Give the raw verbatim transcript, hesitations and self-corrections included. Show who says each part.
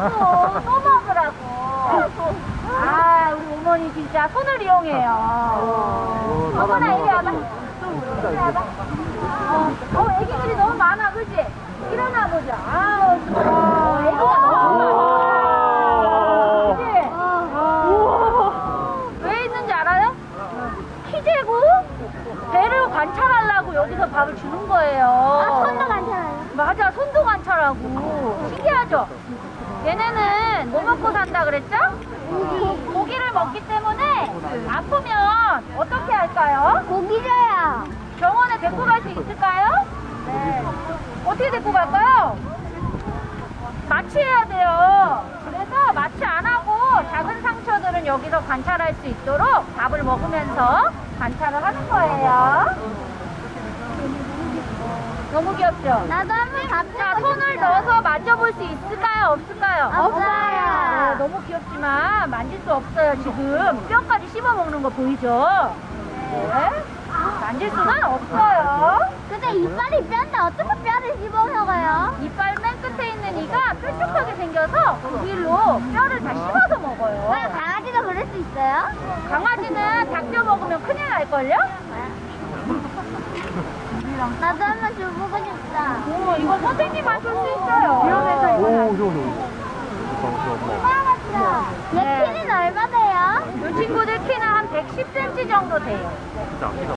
Speaker 1: 또, 또 먹으라고. 아, 우리 어머니 진짜 손을 이용해요. 어머나, 이리 와봐. 이리 와봐. 어, 어, 애기들이 너무 많아, 그지? 일어나 보자. 아우, 어, 애기가 너무 많아. 그지? 우와. 왜 있는지 알아요? 키 재고 배를 관찰하려고 여기서 밥을 주는 거예요.
Speaker 2: 아, 손도 관찰해요?
Speaker 1: 맞아, 손도 관찰하고. 신기하죠? 얘네는 뭐 먹고 산다 그랬죠? 고기를 먹기 때문에 아프면 어떻게 할까요?
Speaker 2: 고기 줘요.
Speaker 1: 병원에 데리고 갈 수 있을까요? 네. 어떻게 데리고 갈까요? 마취해야 돼요. 그래서 마취 안 하고 작은 상처들은 여기서 관찰할 수 있도록 밥을 먹으면서 관찰을 하는 거예요. 너무 귀엽죠?
Speaker 2: 나도 한번 밥
Speaker 1: 자,
Speaker 2: 주고
Speaker 1: 손을
Speaker 2: 싶어요.
Speaker 1: 넣어서 만져볼 수 있을까요? 없을까요?
Speaker 2: 없어요.
Speaker 1: 네, 너무 귀엽지만 만질 수 없어요, 지금. 뼈까지 씹어 먹는 거 보이죠? 네. 만질 수는 없어요.
Speaker 2: 근데 이빨이 뼈인데 어떻게 뼈를 씹어 먹어요?
Speaker 1: 이빨 맨 끝에 있는 이가 뾰족하게 생겨서 그 길로 뼈를 다 씹어서 먹어요.
Speaker 2: 왜 강아지가 그럴 수 있어요?
Speaker 1: 강아지는 닭뼈 먹으면 큰일 날걸요?
Speaker 2: 나도 한번 줘보고 싶다.
Speaker 1: 오, 이거 선생님만 줄 수 있어요. 위험해서
Speaker 3: 오, 좋아, 좋아.
Speaker 2: 맞죠? 얘
Speaker 1: 네.
Speaker 2: 키는 얼마 돼요?
Speaker 1: 이 친구들 키는 한 백십 센티미터 정도 돼요.
Speaker 3: 진짜 아끼다.